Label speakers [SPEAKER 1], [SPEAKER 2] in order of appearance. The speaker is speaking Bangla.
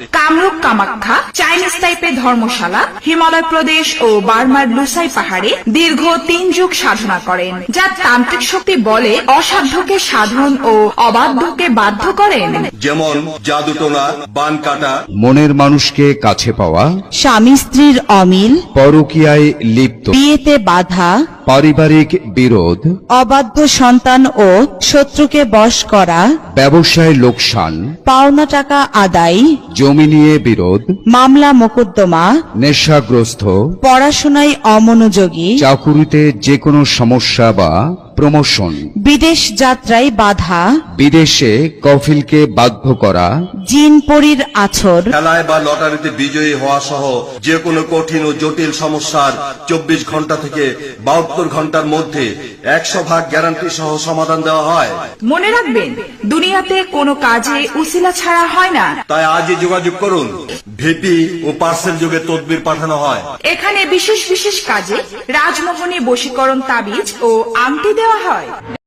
[SPEAKER 1] কামরূপ কামাখ্যা, চাইনিজ টাইপের ধর্মশালা, হিমালয় প্রদেশ ও বার্মার লুসাই পাহাড়ে দীর্ঘ 3 যুগ সাধনা করেন, যা তান্ত্রিক শক্তি বলে অসাধ্যকে সাধন ও অবাধ্যকে বাধ্য করেন।
[SPEAKER 2] যেমন জাদুটোনা, বান কাটা,
[SPEAKER 3] মনের মানুষকে কাছে পাওয়া,
[SPEAKER 4] স্বামী স্ত্রীর অমিল,
[SPEAKER 3] পরকীয়ায় লিপ্ত,
[SPEAKER 4] বিয়েতে বাধা,
[SPEAKER 3] পারিবারিক বিরোধ,
[SPEAKER 4] অবাধ্য সন্তান ও শত্রুকে বশ করা,
[SPEAKER 3] ব্যবসায় লোকসান,
[SPEAKER 4] পাওনা টাকা আদায়,
[SPEAKER 3] জমি নিয়ে বিরোধ,
[SPEAKER 4] মামলা মোকদ্দমা,
[SPEAKER 3] নেশাগ্রস্ত,
[SPEAKER 4] পড়াশোনায় অমনোযোগী,
[SPEAKER 3] চাকুরিতে যে কোনো সমস্যা বা প্রমোশন,
[SPEAKER 4] বিদেশ যাত্রায় বাধা,
[SPEAKER 3] বিদেশে কফিলকে বাধ্য করা,
[SPEAKER 4] জিন পরীর আছর,
[SPEAKER 2] খেলায় বা লটারিতে বিজয়ী হওয়া সহ যে কোনো কঠিন ও জটিল সমস্যার 24 ঘন্টা থেকে 72 ঘন্টার মধ্যে 100% গ্যারান্টি সহ সমাধান দেওয়া হয়।
[SPEAKER 1] মনে রাখবেন, দুনিয়াতে কোনো কাজে উসিলা ছাড়া হয় না।
[SPEAKER 2] তাই আজই যোগাযোগ করুন। ভিপি ও পার্সেল যোগে তদবির পাঠানো হয়।
[SPEAKER 1] এখানে বিশেষ বিশেষ কাজে রাজমোহনী বশীকরণ তাবিজ ও আংটি দেওয়া হয়।